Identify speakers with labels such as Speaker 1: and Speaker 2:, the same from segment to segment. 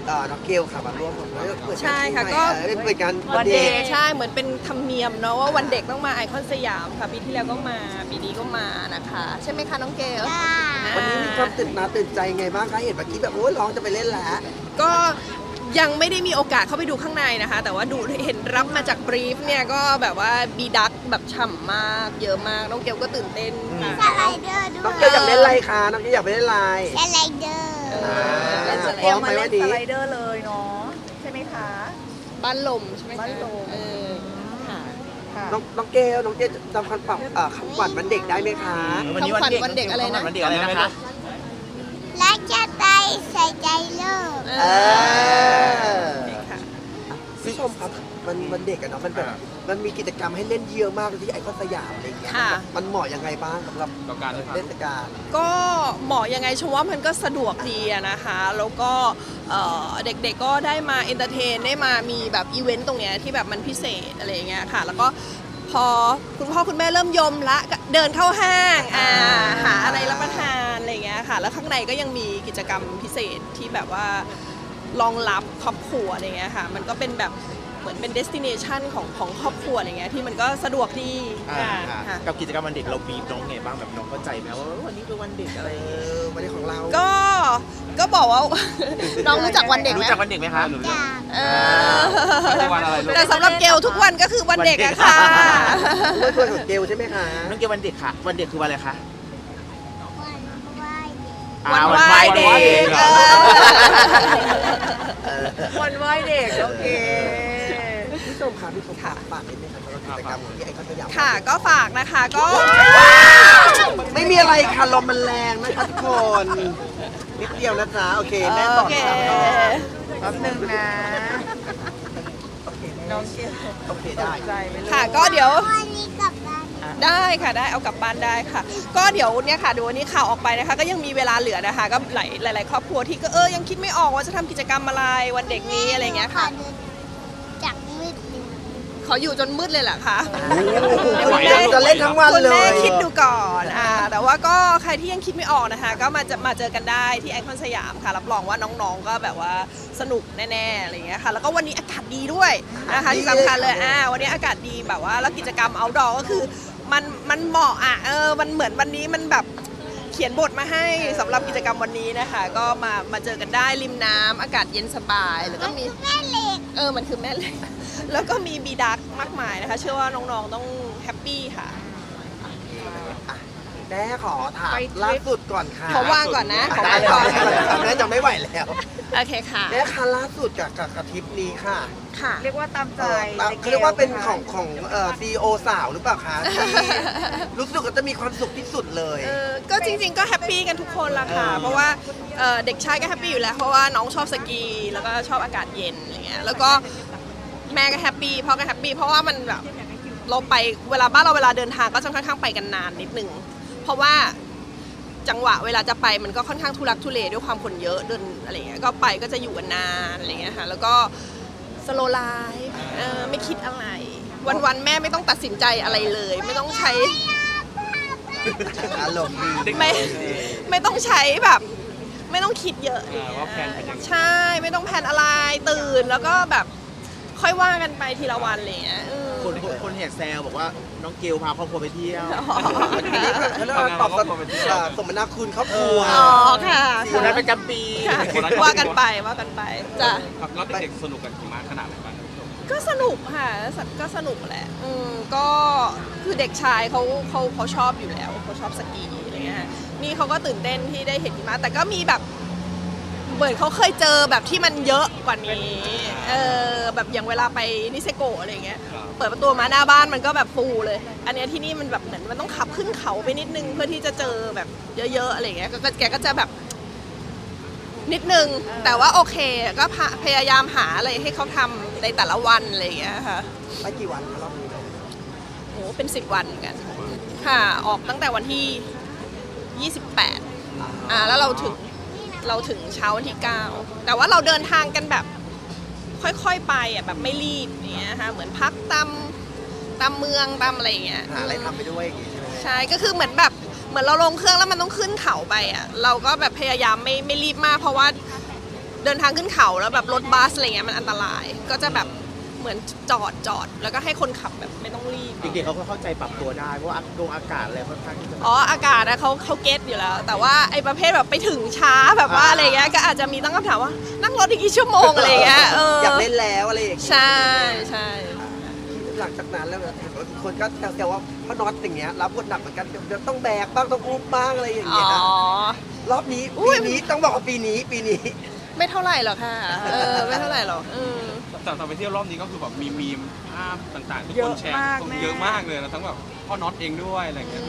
Speaker 1: น้องเกลค่ะมาร่วม
Speaker 2: ใช่ค่ะก็
Speaker 1: เปิดงาน
Speaker 2: วันเด็กใช่เหมือนเป็นธรรมเนียมเนาะว่าวันเด็กต้องมาไอคอนสยามค่ะปีที่แล้วก็มาปีนี้ก็มานะคะใช่ไหมคะน้องเกล
Speaker 1: วันนี้มีความตื่นใจไงบ้างคะเห็นเมื่อกี้แบบโอ้ยร้องจะไปเล่นแล้ว
Speaker 2: ก็ยังไม่ได้มีโอกาสเข้าไปดูข้างในนะคะแต่ว่าดูเห็นรับมาจากบรีฟเนี่ยก็แบบว่าบีดักแบบฉ่ำมากเยอะมากน้องเกลก็ตื่นเต้น
Speaker 3: ส
Speaker 2: ค่ะ
Speaker 3: ไลเดอร์ด้ว
Speaker 1: น้อง
Speaker 3: ย
Speaker 1: เกลอยากเล่นอะไรคะน้องเกลอยากไปเล่นอะไร
Speaker 3: สไลเดอร์
Speaker 1: พร้อมไหมวันนี้
Speaker 4: สไลเดอร์เลยเนาะใช่ไหมคะ
Speaker 2: บ้านลมใช่ไหมคะ
Speaker 4: บ้านลม
Speaker 2: ค่ะ
Speaker 4: ค่ะ
Speaker 1: น้องเกลจำคำขวัญวันเด็กได้ไหมคะ
Speaker 2: คำขวัญวันเด็กอะไรนะ
Speaker 5: วันเด็กอะไรนะคะ
Speaker 3: และจะไปใส่ใจโลก
Speaker 1: เออ
Speaker 2: ค่ะ
Speaker 1: พี่ชมครับมันเด็กอะเนาะมันแบบมันมีกิจกรรมให้เล่นเยอะมากที่ไอคอนสยามอะไรอย่างเงี้ย
Speaker 2: ค่ะ
Speaker 1: มันเหมาะยังไงบ้างสำหรับ
Speaker 5: ต่อการที่
Speaker 1: เทศกาล
Speaker 2: ก็เหมาะยังไงชมว่ามันก็สะดวกดีอะนะคะแล้วก็เด็กๆก็ได้มาเอนเตอร์เทนได้มามีแบบอีเวนต์ตรงเนี้ยที่แบบมันพิเศษอะไรอย่างเงี้ยค่ะแล้วก็พอคุณพ่อคุณแม่เริ่มยมละก็เดินเข้าห้างหาอะไรรับประทานอะไรอย่างเงี้ยค่ะแล้วข้างในก็ยังมีกิจกรรมพิเศษที่แบบว่ารองรับครอบครัวอะไรเงี้ยค่ะมันก็เป็นแบบเหมือนเป็นเดสติเนชันของครอบครัวอะไรเงี้ยที่มันก็สะดวกดีค่ะ
Speaker 5: กับกิจกรรมวันเด็กเราบีบน้องไงบ้างแบบน้องเข้าใจไหมว่าวันนี้เป็นวันเด็กอะไรอย่างเงี้ย
Speaker 1: วันนี้ของเรา
Speaker 2: ก็บอกว่า น้องรู้จักวันเด็กไหม
Speaker 5: รู้จักวันเด็กไหมคะ
Speaker 3: จาก
Speaker 2: เออ
Speaker 5: วันอะไรลูก
Speaker 2: แต่สำหรับเกลทุกวันก็คือวันเด็กอะค่ะ
Speaker 1: ด้วยตัวของเกลใช่ไหมคะ
Speaker 5: น้องเกลวันเด็กค่ะ วันเด็กคือวันอะไรคะ
Speaker 3: วันไหว้เด็ก
Speaker 2: วันไหว้เด็ก
Speaker 4: วันไหว้เด็กโอเค
Speaker 1: พี่ชมค่ะพี่ชมค่ะฝากนิดนึงค่ะสำหรับกิจกรรมของที่ไอคอนสยาม
Speaker 2: ค่ะก็ฝากนะคะก็
Speaker 1: ไม่มีอะไรค่ะลมมันแรงนะคะทุกคนนิดเดียวนะจ๊ะโอเคแม่ต่อ
Speaker 2: โอเค
Speaker 4: แป๊บนึงนะ น้องเกล
Speaker 1: โอเคได้
Speaker 4: ใจไปเลย
Speaker 2: ค่ะก็เดี๋ยว
Speaker 3: วันนี้กลับบ้าน
Speaker 2: ได้ค่ะได้เอากลับบ้านได้ค่ะ ก็เดี๋ยวเนี่ยค่ะดูวันนี้ข่าวออกไปนะคะก็ยังมีเวลาเหลือนะคะก็หลายครอบครัวที่ก็ยังคิดไม่ออกว่าจะทำกิจกรรมอะไรวันเด็กนี้อะไรอย่างเงี้ยค่ะ
Speaker 3: ขอดูจากมืดหนึ่ง
Speaker 2: ขออยู่จนมืดเลยแหละค่ะ
Speaker 1: คุณแม่จะเล่นทั้งวัน
Speaker 2: คุณ
Speaker 1: เล
Speaker 2: แม่
Speaker 1: ย
Speaker 2: คิดดูก่อนแต่ว่าก็ใครที่ยังคิดไม่ออกนะคะก็มาเจอกันได้ที่ไอคอนสยามค่ะรับรองว่าน้องๆก็แบบว่าสนุกแน่ๆอะไรอย่างเงี้ยค่ะแล้วก็วันนี้อากาศดีด้วยนะคะที่สำคัญเลยวันนี้อากาศดีแบบว่าแล้วกิจกรรม outdoor ก็คือมันเหมาะมันเหมือนวันนี้มันแบบเขียนบทมาให้สำหรับกิจกรรมวันนี้นะคะก็มาเจอกันได้ริมน้ำอากาศเย็นสบายแล้วก็มี
Speaker 3: แม่เหล็ก
Speaker 2: มันคือแม่เหล็ก แล้วก็มีบีดักมากมายนะคะ เชื่อว่าน้องๆต้องแฮปปี้ค่ะ
Speaker 1: แม่ขอถามล่าสุดก่อนค่ะ
Speaker 2: ขอว่างก่อนนะขอ
Speaker 1: ได้
Speaker 2: ว่าง
Speaker 1: ค่ะ
Speaker 2: ก่อน
Speaker 1: แม่จะไม่ไหวแล้ว
Speaker 2: โอเคค่ะ
Speaker 1: แม่คะล่าสุดกับทริปนี้ค่ะ
Speaker 2: ค่ะ
Speaker 4: เรียกว่าตามใจ
Speaker 1: เขาเรียกว่าเป็นของซีโอสาวหรือเปล่าคะที่รู้สึกว่าจะมีความสุขที่สุดเลย
Speaker 2: ก็จริงๆก็แฮปปี้กันทุกคนละค่ะ เพราะว่าเด็กชายก็แฮปปี้อยู่แล้ว เพราะว่าน้องชอบสกี แล้วก็ชอบอากาศเย็นอะไรเงี้ย แล้วก็แม่ก็แฮปปี้พ่อก็แฮปปี้ เพราะว่ามันแบบเราไปเวลาเดินทางก็จะค่อนข้างไปกันนานนิดนึง เพราะว่าจังหวะเวลาจะไปมันก็ค่อนข้างทุลักทุเลด้วยความคนเยอะเดินอะไรเงี้ย ก็ไปก็จะอยู่กันนานอะไรเงี้ยค่ะ แล้วก็สโลไลฟ์ไม่คิดอะไร วันๆแม่ไม่ต้องตัดสินใจอะไรเลย ไม่ต้องใช้
Speaker 1: อารมณ์ดี
Speaker 2: ไม่ต้องใช้แบบ ไม่ต้องคิดเยอะใช่ไม่ต้องแพลนอะไรตื่นแล้วก็แบบค่อยว่ากันไปทีละวันอะไรอย่างเงี้ย
Speaker 5: คนแห่แซวบอกว่าน้องเกลพาครอบครัวไปเที่ยว
Speaker 1: อันนี้เขาเรียกว่าตอบสมนาคุณครอบครัว
Speaker 2: อ๋อค่ะ
Speaker 5: คนนั้นประจำปี
Speaker 2: ค่ะว่ากันไปจ้ะ
Speaker 6: ครับแล้วเด็กๆสนุกกันกี่มาขนาดไหนบ้าง
Speaker 2: ก็สนุกค่ะก็สนุกแหละก็คือเด็กชายเขาชอบอยู่แล้วเขาชอบสกีอะไรเงี้ยนี่เขาก็ตื่นเต้นที่ได้เห็นหิมะแต่ก็มีแบบเหมือนเขาเคยเจอแบบที่มันเยอะกว่านี้แบบอย่างเวลาไปนิเซโกะอะไรเงี้ยเปิดประตูมาหน้าบ้านมันก็แบบฟูเลย อันเนี้ยที่นี่มันแบบเหมือนมันต้องขับขึ้นเขาไปนิดนึงเพื่อที่จะเจอแบบเยอะๆอะไรเงี้ยแกก็จะแบบนิดนึงแต่ว่าโอเคก็พยายามหาอะไรให้เขาทำในแต่ละวันอะไรอย่างเงี้ยค่ะ
Speaker 1: ไปกี่วันคะรอบนี้
Speaker 2: โหเป็น10 วันเหมือนกันค่ะออกตั้งแต่วันที่ 28แล้วเราถึงเช้าวันที่ 9แต่ว่าเราเดินทางกันแบบค่อยๆไปแบบไม่รีบเนี้ยค่ะเหมือนพักตามเมืองตามอะไรอย่างเงี้ย
Speaker 1: หาอะไรทำไปด้วยอย่างงี้ใช่ไหม
Speaker 2: ใช่ก็คือเหมือนแบบเหมือนเราลงเครื่องแล้วมันต้องขึ้นเขาไปเราก็แบบพยายามไม่รีบมากเพราะว่าเดินทางขึ้นเขาแล้วแบบรถบัสอะไรเงี้ยมันอันตราย ก็จะแบบเหมือนจอดแล้วก็ให้คนขับแบบไม่ต้องรีบ
Speaker 5: เด็กๆเขาก็เข้าใจปรับตัวได้เพราะว่าอากาศอะไรค่อนข้างที่จะ
Speaker 2: อ๋ออากาศนะเขาเก็ตอยู่แล้ว แต่ว่าไอ้ประเภทแบบไปถึงช้าแบบว่าอะไรเงี้ยก็อาจจะมีตั้งคำถามว่านั่งรถอีกกี่ชั่วโมงอะไรเงี้ย
Speaker 1: อยากเล่นแล้วอะไรอย่างเงี้ย
Speaker 2: ใช่ใช่
Speaker 1: หลังจากนั้นแล้วคนก็แซวว่าพ่อน็อตอย่างเงี้ยรับบทหนักเหมือนกันเดี๋ยวต้องแบกบ้างต้องอุ้มบ้างอะไรอย่าง
Speaker 2: อ๋
Speaker 1: เงี้
Speaker 2: อย
Speaker 1: นะรอบนี้ปีนี้ต้องบอกว่าปีนี้
Speaker 2: ไม่เท่าไหร่หรอกค่ะไม่เท่าไหร่หรอก
Speaker 6: แต่ไปเที่ยวรอบนี้ก็คือแบบมีภาพต่างๆที่คนแชร์เยอะมากเลยนะทั้งแบบพ่อน็อตเองด้วยอะไรอย่างเงี้ย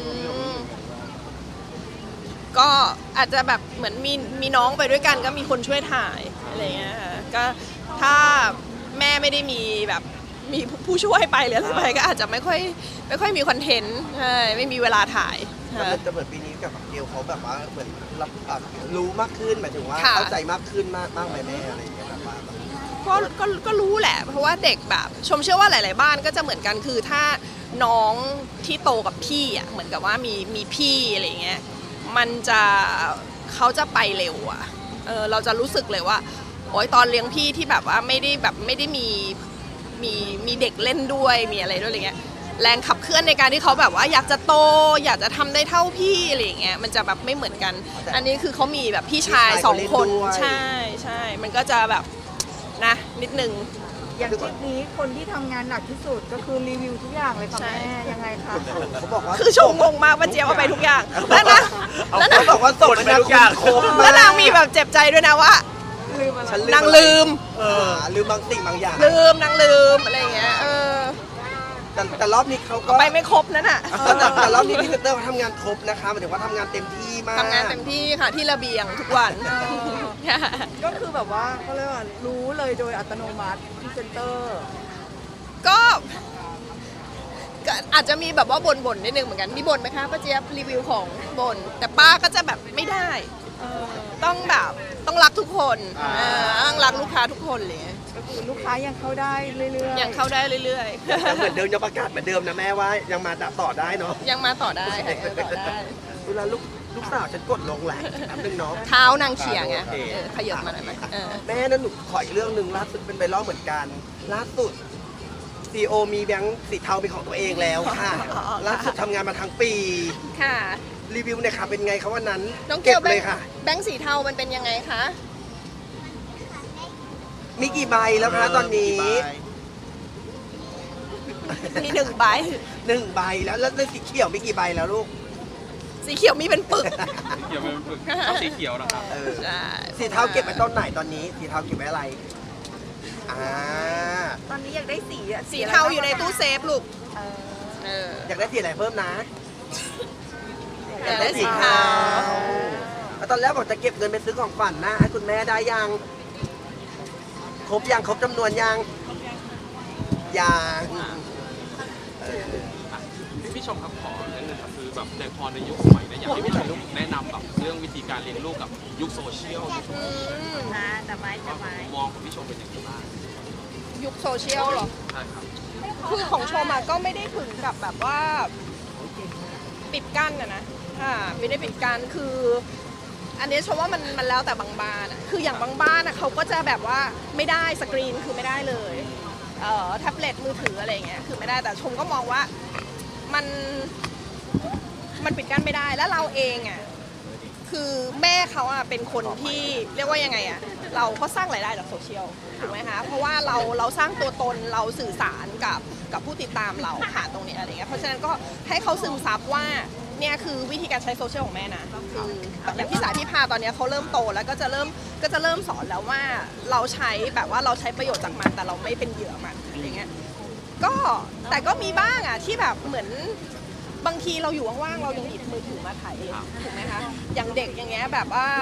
Speaker 2: ก็อาจจะแบบเหมือนมีน้องไปด้วยกันก็มีคนช่วยถ่ายอะไรเงี้ยค่ะก็ถ้าแม่ไม่ได้มีแบบมีผู้ช่วยไปหรืออะไรไปก็อาจจะไม่ค่อยมีคอนเทนต์ใช่ไม่มีเวลาถ่าย
Speaker 1: แต่มันจะเหมือนปีนี้กับเกลเขาแบบว่าเหมือนรู้มากขึ้นหมายถึงว่า
Speaker 2: ค่ะ
Speaker 1: เข้าใจมากขึ้นมากไหมแม่อะไรอย่างเงี้ยแบบว่า
Speaker 2: ก็รู้แหละ เพราะว่าเด็กแบบชมเชื่อว่าหลาย ๆ บ้านก็จะเหมือนกันคือถ้าน้องที่โตกับพี่อ่ะเหมือนกับว่ามีพี่อะไรเงี้ยมันจะเขาจะไปเร็วอ่ะเราจะรู้สึกเลยว่าโอ๊ยตอนเลี้ยงพี่ที่แบบว่าไม่ได้มีเด็กเล่นด้วยมีอะไรด้วยอะไรเงี้ยแรงขับเคลื่อนในการที่เขาแบบว่าอยากจะโตอยากจะทำได้เท่าพี่อะไรอย่างเงี้ยมันจะแบบไม่เหมือนกัน อันนี้คือเขามีแบบพี่ชาย2 คนใช่มันก็จะแบบนะนิดนึง
Speaker 4: อย่างทริปนี้คนที่ทำงานหนักที่สุดก็คือรีวิวทุกอย่างเลยค่ะ
Speaker 2: ใช่
Speaker 4: แม่ยังไงคะ
Speaker 1: เขาบอกว่า
Speaker 2: คือชมงงมากว่าเจี๊ยบเอาไปทุกอย่างแล้วนะแล้วนะ
Speaker 1: เขาบอกว่าส่งไปทุกอย่างครบมาก
Speaker 2: แล้วนางมีแบบเจ็บใจด้วยนะว่า
Speaker 4: ลืมอะไร
Speaker 1: ฉัน
Speaker 2: นางลืม
Speaker 1: ลืมบางสิ่งบางอย่าง
Speaker 2: นางลืมอะไรอย่างเงี้ย
Speaker 1: แต่รอบนี้เขาก็
Speaker 2: ไปไม่ครบนั่นน่ะ
Speaker 1: แต่รอบนี้พี่เซนเตอร์เขาทำงานครบนะคะหมายถึงว่าทำงานเต็มที่มาก
Speaker 2: ทำงานเต็มที่ค่ะที่ระเบียงทุกวัน
Speaker 4: ก็คือแบบว่าเขาเรียกว่ารู้เลยโดยอัตโนมัติพรีเซนเตอร์
Speaker 2: ก็อาจจะมีแบบว่าบ่นนิดนึงเหมือนกันมีบ่นไหมคะป้าเจี๊ยบรีวิวของบ่นแต่ป้าก็จะแบบไม่ได้ต้องแบบต้องรักทุกคนต้องรักลูกค้าทุกคนเลย
Speaker 4: ก็คือลูกค้ายังเข้าได้เรื่อยๆ
Speaker 2: ยังเข้าได้เรื่อย
Speaker 1: แต่เหมือนเดิมยังประกาศเหมือนเดิมนะแม่ว่ายังมาต่อได้เนาะ
Speaker 2: ๆ ยังมาต่อได้ค่ะยังต่อได้
Speaker 1: เวลาลูกสาวฉันกดลงแหละแป๊บนึงเนาะ
Speaker 2: เท้านางเขียงไง
Speaker 1: โอเค
Speaker 2: ขยับมาหน่อยไหม
Speaker 1: แม่นั่นหนูขออีกเรื่องหนึ่งล่าสุดเป็นไวรัลเหมือนกันล่าสุดซีโอมีแบงค์สีเทาเป็นของตัวเองแล้วค่ะล่าสุดทำงานมาทั้งปี
Speaker 2: ค่ะ
Speaker 1: รีวิวเนี่ยค่ะเป็นไงคะวันนั้น
Speaker 2: น้องเก
Speaker 1: เก็
Speaker 2: ล
Speaker 1: บเลยค่ะ
Speaker 2: แบงค์สีเทามันเป็นยังไงคะ
Speaker 1: มีกี่ใบแล้วคะตอนนี้
Speaker 2: มี1 ใบ
Speaker 1: 1 ใบแล้วสีเขียวมีกี่ใบแล้วลูก
Speaker 2: สีเขียวมีเป็นปึก
Speaker 6: สีเขียวเป็นฝึกชอบสีเขียวนะครับ
Speaker 2: ใช่
Speaker 1: สีเทาเก็บไว้ต้นไหนตอนนี้ สีเทาเก็บไว้อะไรา
Speaker 4: ตอนนี้อยากได้สีอะ
Speaker 2: สีเทาอยู่ในตู้เซฟลูก
Speaker 1: อยากได้สีอะไรเพิ่มนะ
Speaker 2: อยากได้สีเทา
Speaker 1: แล้วตอนแรกบอกจะเก็บเงินไปซื้อของขวัญนะให้คุณแม่ได้ยัง ครบยังครบจำนวนยังยัง
Speaker 6: พี่ชมครับขอนิดนึงครับคือแบบในพอในยุคสมัยนี้อยากให้พี่ชมแนะนำแบบเรื่องวิธีการเลี้ยงลูกกับยุคโซเชียลยุค
Speaker 4: นะแต่ไม้
Speaker 6: มองของพี่ชมเป็นยังไงบ้าง
Speaker 2: ยุคโซเชียลเหรอ
Speaker 6: ใช่ครับ
Speaker 2: คือของชมอะก็ไม่ได้ถึงกับแบบว่าปิดกั้นนะไม่ได้ปิดกั้นคือ อันนี้ชมว่ามันแล้วแต่บางบ้านอะคืออย่างบางบ้านอะเขาก็จะแบบว่าไม่ได้สกรีนคือไม่ได้เลยแท็บเล็ตมือถืออะไรอย่างเงี้ยคือไม่ได้แต่ชมก็มองว่ามันปิดกั้นไม่ได้แล้วเราเองอะคือแม่เขาอะเป็นคนที่เรียกว่ายังไงอะเราก็สร้างรายได้จากโซเชียลถูกไหมคะเพราะว่าเราสร้างตัวตนเราสื่อสารกับผู้ติดตามเราผ่านตรงนี้อะไรเงี้ยเพราะฉะนั้นก็ให้เขาซึมซับว่าเนี่ยคือวิธีการใช้โซเชียลของแม่นะคืออย่างพี่สายพี่พาตอนนี้เขาเริ่มโตแล้วก็จะเริ่มสอนแล้วว่าเราใช้แบบว่าเราใช้ประโยชน์จากมันแต่เราไม่เป็นเหยื่อมันอะไรเงี้ยก็แต่ก็มีบ้างอะที่แบบเหมือนบางทีเราอยู่ว่างๆเรายังหยิบมือถือมาถ่ายเองถูกไหมคะอย่างเด็กอย่างเงี้ยแบบว่า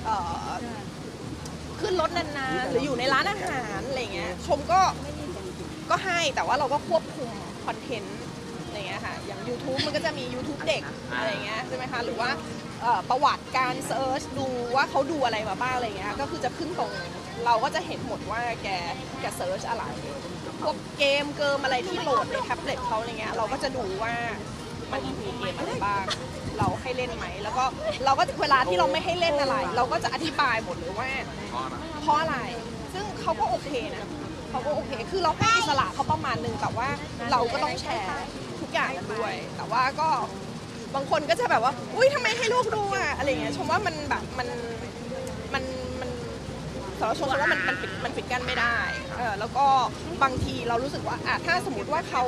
Speaker 2: ขึ้นรถนานๆหรืออยู่ในร้านอาหารอะไรเงี้ยชมก็ให้แต่ว่าเราก็ควบคุมคอนเทนต์อะไรเงี้ยค่ะอย่าง YouTube มันก็จะมี YouTube เด็กอะไรเงี้ยใช่ไหมคะหรือว่าประวัติการเซิร์ชดูว่าเขาดูอะไรมาบ้างอะไรเงี้ยก็คือจะขึ้นตรงเราก็จะเห็นหมดว่าแกเซิร์ชอะไรพวกเกมอะไรที่โหลดในแท็บเล็ตเขาอะไรเงี้ยเราก็จะดูว่ามันมีเกมอะไรบ้างเราให้เล่นไหมแล้วก็เราก็เวลาที่เราไม่ให้เล่นอะไร เราก็จะอธิบายหมดเลยว่าเพราะอะไร ซึ่งเขาก็โอเคนะเขาก็โอเค คือเราให้อิสระเขาประมาณนึงแต่ว่าเราก็ต้องแชร์ทุกอย่างด้วย แต่ว่าก็บางคนก็จะแบบว่าอุ้ยทำไมให้ลูกดูอะอะไรเงี้ยชมว่ามันแบบมันสำหรับชมว่ามันปิดกั้นไม่ได้แล้วก็บางทีเรารู้สึกว่าถ้าสมมติว่าเขา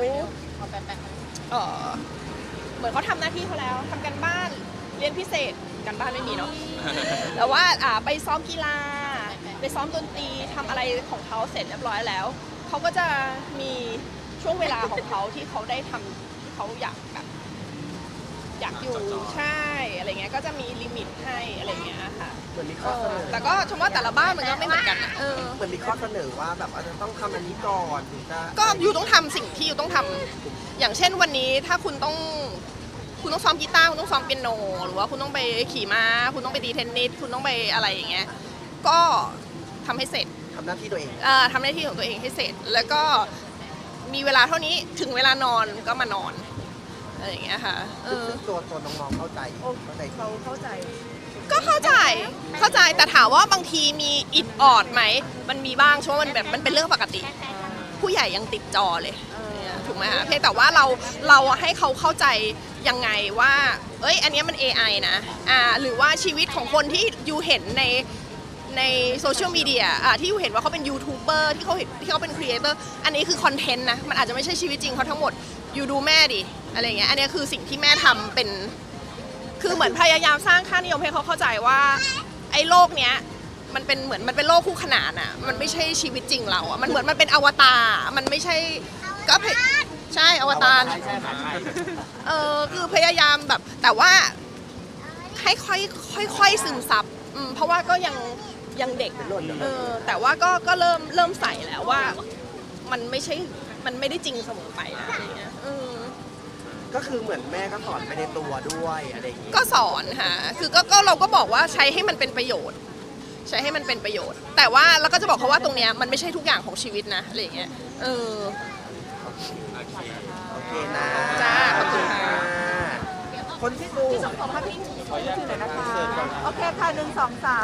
Speaker 2: เหมือนเขาทำหน้าที่เขาแล้วทำกันบ้านเรียนพิเศษกันบ้านไม่มีเนาะ แต่ว่าไปซ้อมกีฬาไปซ้อมดนตรีทำอะไรของเขาเสร็จเรียบร้อยแล้วเขาก็จะมีช่วงเวลาของเขาที่เขาได้ทำที่เขาอยากแบบอยากอยู่ใช่อะไรเงี้ยก็จะมีลิมิตให้อะไรเงี้ยค่ะ
Speaker 1: เหมือนมีข้อเสนอ
Speaker 2: แต่ก็ชมว่าแต่ละบ้านมันก็ไม่เหมือนกันนะ
Speaker 1: เหมือนมีข้อเสนอว่าแบบอาจจะต้องทำอันนี้ก่อนถึงจะ
Speaker 2: ก็อยู่ต้องทำสิ่งที่อยู่ต้องทำอย่างเช่นวันนี้ถ้าคุณต้องซ้อมกีตาร์คุณต้องซ้อมเปียโนหรือว่าคุณต้องไปขี่ม้าคุณต้องไปตีเทนนิสคุณต้องไปอะไรอย่างเงี้ยก็ทำให้เสร็จ
Speaker 1: ทำหน้าที่ตัวเอง
Speaker 2: ทำหน้าที่ของตัวเองให้เสร็จ แล้วก็มีเวลาเท่านี้ถึงเวลานอนก็มานอนอะไรอย่างเงี้ยค่ะ
Speaker 1: ซึ่งตัวน้องๆเข้าใจเข้าใจ
Speaker 4: เขาเข้าใจ
Speaker 2: ก็เข้าใจแต่ถามว่าบางทีมีอิดออดไหมมันมีบ้างช่วงมันแบบมันเป็นเรื่องปกติ ผู้ใหญ่ยังติดจอเลยถูกไหมคะเพียงแต่ว่าเราให้เขาเข้าใจยังไงว่าเอ้ยอันนี้มัน AI นะหรือว่าชีวิตของคนที่อยู่เห็นในโซเชียลมีเดียที่อยู่เห็นว่าเขาเป็นยูทูบเบอร์ที่เขาเป็นครีเอเตอร์อันนี้คือคอนเทนต์นะมันอาจจะไม่ใช่ชีวิตจริงเขาทั้งหมดอยู่ดูแม่ดิอะไรเงี้ยอันนี้คือสิ่งที่แม่ทำเป็นคือเหมือนพยายามสร้างค่านิยมให้เขาเข้าใจว่าไอ้โลกเนี้ยมันเป็นโลกคู่ขนานอ่ะมันไม่ใช่ชีวิตจริงเราอ่ะมันเหมือนมันเป็นอวตารมันไม่ใช่ก็ใช่อวตารคือพยายามแบบแต่ว่าให้ค่อยซึมซับเพราะว่าก็ยังเด็กแต่ว่าก็เริ่มใส่แล้วว่ามันไม่ได้จริงเสมอไปนะอะไรเงี้ย
Speaker 1: ก็คือเหมือนแม่ก็สอนไปในตัวด้วยอะไรอย่างงี้
Speaker 2: ก็สอนค่ะคือก็เราก็บอกว่าใช้ให้มันเป็นประโยชน์ ใช้ให้มันเป็นประโยชน์ แต่ว่าเราก็จะบอกเขาว่าตรงเนี้ยมันไม่ใช่ทุกอย่างของชีวิตนะอะไรเงี้ย
Speaker 1: โอเคนะ
Speaker 2: จ้าขอบคุณค่ะ
Speaker 1: คนที่ดู
Speaker 4: ขอภาพที่ชื่อหน่อยนะคะ โอเคค่ะ1 2 3